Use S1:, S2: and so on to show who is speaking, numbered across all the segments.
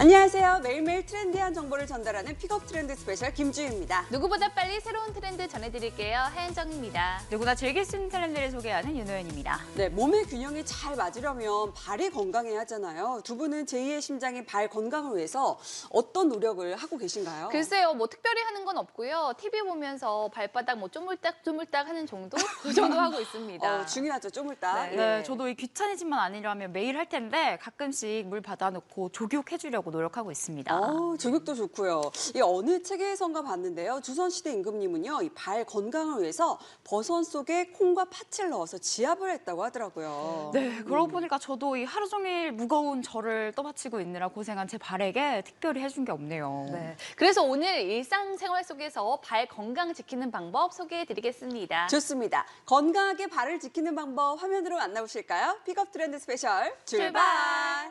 S1: 안녕하세요. 매일매일 트렌디한 정보를 전달하는 픽업 트렌드 스페셜 김주희입니다.
S2: 누구보다 빨리 새로운 트렌드 전해드릴게요. 하현정입니다.
S3: 누구나 즐길 수 있는 트렌드를 소개하는 윤호연입니다.
S1: 네, 몸의 균형이 잘 맞으려면 발이 건강해야 하잖아요. 두 분은 제2의 심장인 발 건강을 위해서 어떤 노력을 하고 계신가요?
S2: 글쎄요, 뭐 특별히 하는 건 없고요. TV 보면서 발바닥 뭐 쪼물딱 하는 정도? 그 정도 하고 있습니다.
S1: 중요하죠, 쪼물딱.
S3: 네, 저도 이 귀차니즘만 아니라면 매일 할 텐데 가끔씩 물 받아놓고 족욕해주려고 노력하고 있습니다.
S1: 족욕도 좋고요. 이 어느 책에선가 봤는데요. 조선시대 임금님은요, 이 발 건강을 위해서 버선 속에 콩과 팥을 넣어서 지압을 했다고 하더라고요.
S3: 네, 그러고 보니까 저도 이 하루 종일 무거운 저를 떠받치고 있느라 고생한 제 발에게 특별히 해준 게 없네요.
S2: 네. 그래서 오늘 일상생활 속에서 발 건강 지키는 방법 소개해드리겠습니다.
S1: 좋습니다. 건강하게 발을 지키는 방법 화면으로 만나보실까요? 픽업 트렌드 스페셜 출발!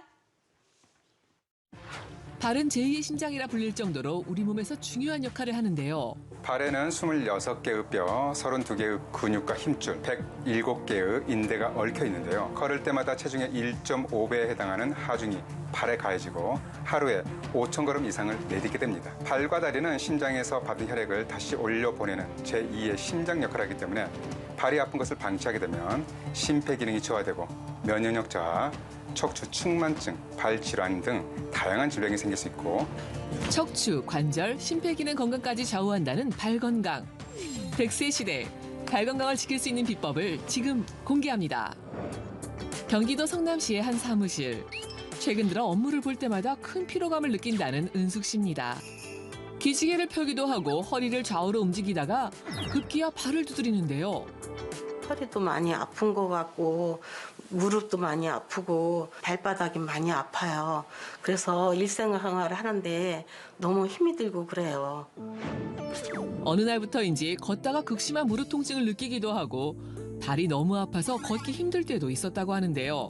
S4: 발은 제2의 심장이라 불릴 정도로 우리 몸에서 중요한 역할을 하는데요.
S5: 발에는 26개의 뼈, 32개의 근육과 힘줄, 107개의 인대가 얽혀 있는데요. 걸을 때마다 체중의 1.5배에 해당하는 하중이 발에 가해지고 하루에 5,000걸음 이상을 내딛게 됩니다. 발과 다리는 심장에서 받은 혈액을 다시 올려보내는 제2의 심장 역할을 하기 때문에 발이 아픈 것을 방치하게 되면 심폐기능이 저하되고 면역력 저하, 척추 측만증, 발 질환 등 다양한 질병이 생길 수 있고
S4: 척추, 관절, 심폐기능 건강까지 좌우한다는 발 건강. 100세 시대, 발 건강을 지킬 수 있는 비법을 지금 공개합니다. 경기도 성남시의 한 사무실. 최근 들어 업무를 볼 때마다 큰 피로감을 느낀다는 은숙 씨입니다. 기지개를 펴기도 하고 허리를 좌우로 움직이다가 급기야 발을 두드리는데요.
S6: 허리도 많이 아픈 것 같고 무릎도 많이 아프고 발바닥이 많이 아파요. 그래서 일생생활을 하는데 너무 힘이 들고 그래요.
S4: 어느 날부터인지 걷다가 극심한 무릎 통증을 느끼기도 하고 발이 너무 아파서 걷기 힘들 때도 있었다고 하는데요.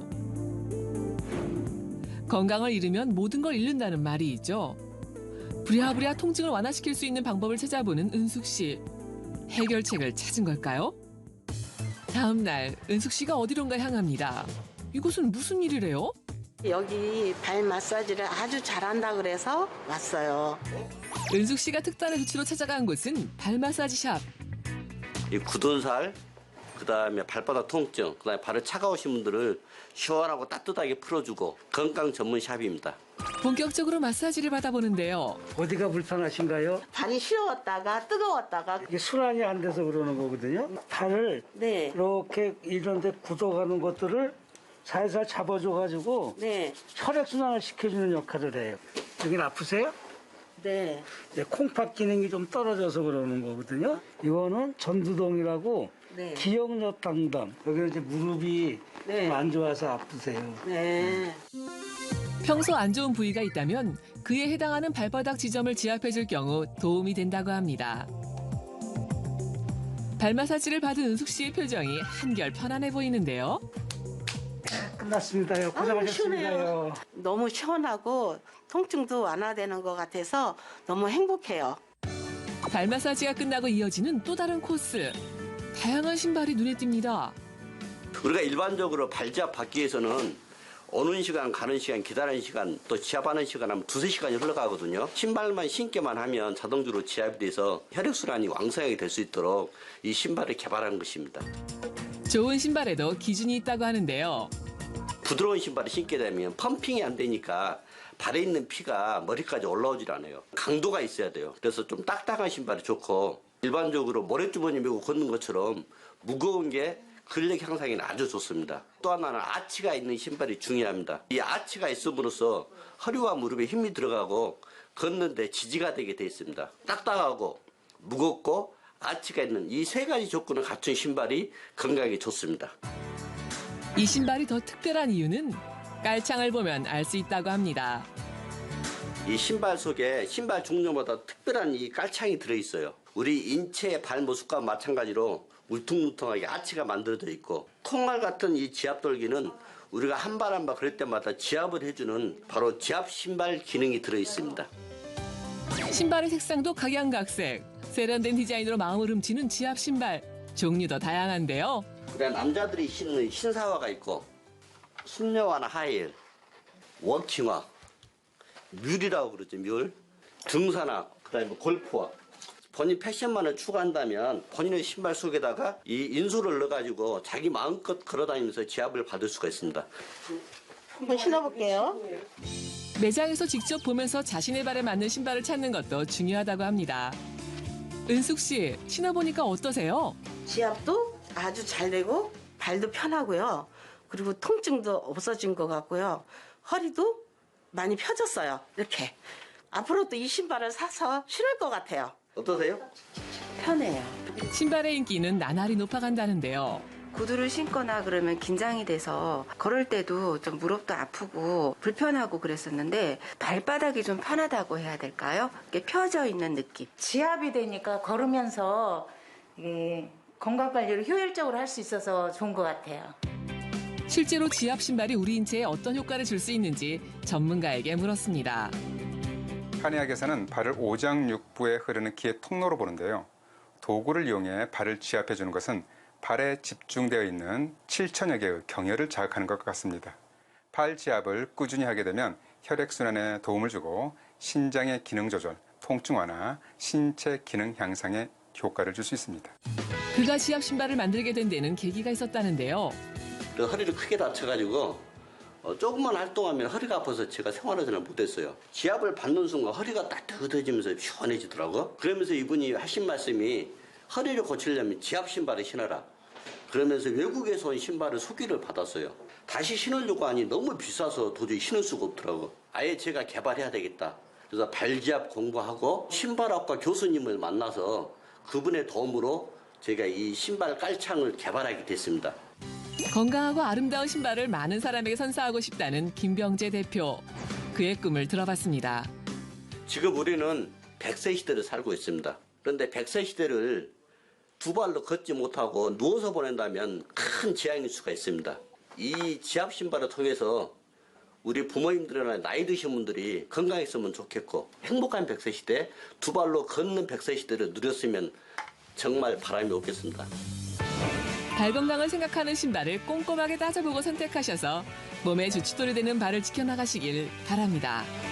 S4: 건강을 잃으면 모든 걸 잃는다는 말이 있죠. 부랴부랴 통증을 완화시킬 수 있는 방법을 찾아보는 은숙 씨. 해결책을 찾은 걸까요? 다음 날 은숙 씨가 어디론가 향합니다. 이곳은 무슨 일이래요?
S6: 여기 발 마사지를 아주 잘한다 그래서 왔어요.
S4: 은숙 씨가 특단의 조치로 찾아간 곳은 발 마사지 샵.
S7: 이 굳은 살, 그다음에 발바닥 통증, 그다음에 발이 차가우신 분들을 시원하고 따뜻하게 풀어주고 건강 전문 샵입니다.
S4: 본격적으로 마사지를 받아보는데요.
S8: 어디가 불편하신가요?
S6: 발이 시려웠다가 뜨거웠다가
S8: 이게 순환이 안 돼서 그러는 거거든요. 발을
S6: 네.
S8: 이렇게 이런 데 굳어가는 것들을 살살 잡아줘가지고
S6: 네.
S8: 혈액순환을 시켜주는 역할을 해요. 여긴 아프세요?
S6: 네.
S8: 이제 콩팥 기능이 좀 떨어져서 그러는 거거든요. 이거는 전두동이라고
S6: 네.
S8: 기억력 담당. 여기는 이제 무릎이
S6: 네.
S8: 좀 안 좋아서 아프세요.
S6: 네.
S4: 평소 안 좋은 부위가 있다면 그에 해당하는 발바닥 지점을 지압해줄 경우 도움이 된다고 합니다. 발 마사지를 받은 은숙 씨의 표정이 한결 편안해 보이는데요.
S8: 끝났습니다요. 고생하셨습니다요.
S6: 너무 시원하고 통증도 완화되는 것 같아서 너무 행복해요.
S4: 발 마사지가 끝나고 이어지는 또 다른 코스. 다양한 신발이 눈에 띕니다.
S7: 우리가 일반적으로 발지압 받기 위해서는 오는 시간, 가는 시간, 기다리는 시간, 또 지압하는 시간 하면 2~3시간이 흘러가거든요. 신발만 신기만 하면 자동적으로 지압이 돼서 혈액순환이 왕성하게 될 수 있도록 이 신발을 개발한 것입니다.
S4: 좋은 신발에도 기준이 있다고 하는데요.
S7: 부드러운 신발을 신게 되면 펌핑이 안 되니까 발에 있는 피가 머리까지 올라오질 않아요. 강도가 있어야 돼요. 그래서 좀 딱딱한 신발이 좋고 일반적으로 모래주머니 메고 걷는 것처럼 무거운 게 근력 향상에는 아주 좋습니다. 또 하나는 아치가 있는 신발이 중요합니다. 이 아치가 있음으로써 허리와 무릎에 힘이 들어가고 걷는데 지지가 되게 돼 있습니다. 딱딱하고 무겁고 아치가 있는 이 세 가지 조건을 갖춘 신발이 건강에 좋습니다.
S4: 이 신발이 더 특별한 이유는 깔창을 보면 알 수 있다고 합니다.
S7: 이 신발 속에 신발 종류마다 특별한 이 깔창이 들어있어요. 우리 인체의 발 모습과 마찬가지로 울퉁불퉁하게 아치가 만들어져 있고 콩알 같은 이 지압돌기는 우리가 한 발 한 발 그럴 때마다 지압을 해주는 바로 지압 신발 기능이 들어있습니다.
S4: 신발의 색상도 각양각색. 세련된 디자인으로 마음을 훔치는 지압 신발. 종류도 다양한데요.
S7: 우리가 남자들이 신는 신사화가 있고 숙녀화나 하이힐, 워킹화 뮬이라고 그러죠, 뮬. 등산화, 그다음에 골프화. 본인 패션만을 추구한다면 본인의 신발 속에다가 이 인솔을 넣어가지고 자기 마음껏 걸어다니면서 지압을 받을 수가 있습니다.
S6: 한번 신어볼게요.
S4: 매장에서 직접 보면서 자신의 발에 맞는 신발을 찾는 것도 중요하다고 합니다. 은숙 씨, 신어보니까 어떠세요?
S6: 지압도 아주 잘 되고 발도 편하고요. 그리고 통증도 없어진 것 같고요. 허리도 많이 펴졌어요. 이렇게. 앞으로도 이 신발을 사서 신을 것 같아요.
S7: 어떠세요?
S6: 편해요.
S4: 신발의 인기는 나날이 높아간다는데요.
S9: 구두를 신거나 그러면 긴장이 돼서 걸을 때도 좀 무릎도 아프고 불편하고 그랬었는데 발바닥이 좀 편하다고 해야 될까요? 이렇게 펴져 있는 느낌.
S10: 지압이 되니까 걸으면서 이게 건강 관리를 효율적으로 할 수 있어서 좋은 것 같아요.
S4: 실제로 지압 신발이 우리 인체에 어떤 효과를 줄 수 있는지 전문가에게 물었습니다.
S5: 한의학에서는 발을 오장육부에 흐르는 기의 통로로 보는데요. 도구를 이용해 발을 지압해 주는 것은 발에 집중되어 있는 7천여 개의 경혈을 자극하는 것 같습니다. 발 지압을 꾸준히 하게 되면 혈액순환에 도움을 주고 신장의 기능 조절, 통증 완화, 신체 기능 향상에 효과를 줄 수 있습니다.
S4: 그가 지압 신발을 만들게 된 데는 계기가 있었다는데요.
S7: 그 허리를 크게 다쳐가지고 조금만 활동하면 허리가 아파서 제가 생활을 잘 못했어요. 지압을 받는 순간 허리가 따뜻해지면서 시원해지더라고. 그러면서 이분이 하신 말씀이 허리를 고치려면 지압 신발을 신어라. 그러면서 외국에서 온 신발을 소개를 받았어요. 다시 신으려고 하니 너무 비싸서 도저히 신을 수가 없더라고. 아예 제가 개발해야 되겠다. 그래서 발지압 공부하고 신발학과 교수님을 만나서 그분의 도움으로 제가 이 신발 깔창을 개발하게 됐습니다.
S4: 건강하고 아름다운 신발을 많은 사람에게 선사하고 싶다는 김병재 대표. 그의 꿈을 들어봤습니다.
S7: 지금 우리는 100세 시대를 살고 있습니다. 그런데 100세 시대를 두 발로 걷지 못하고 누워서 보낸다면 큰 재앙일 수가 있습니다. 이 지압 신발을 통해서 우리 부모님들이나 나이 드신 분들이 건강했으면 좋겠고 행복한 100세 시대, 두 발로 걷는 100세 시대를 누렸으면 정말 바람이 없겠습니다.
S4: 발 건강을 생각하는 신발을 꼼꼼하게 따져보고 선택하셔서 몸에 주춧돌이 되는 발을 지켜나가시길 바랍니다.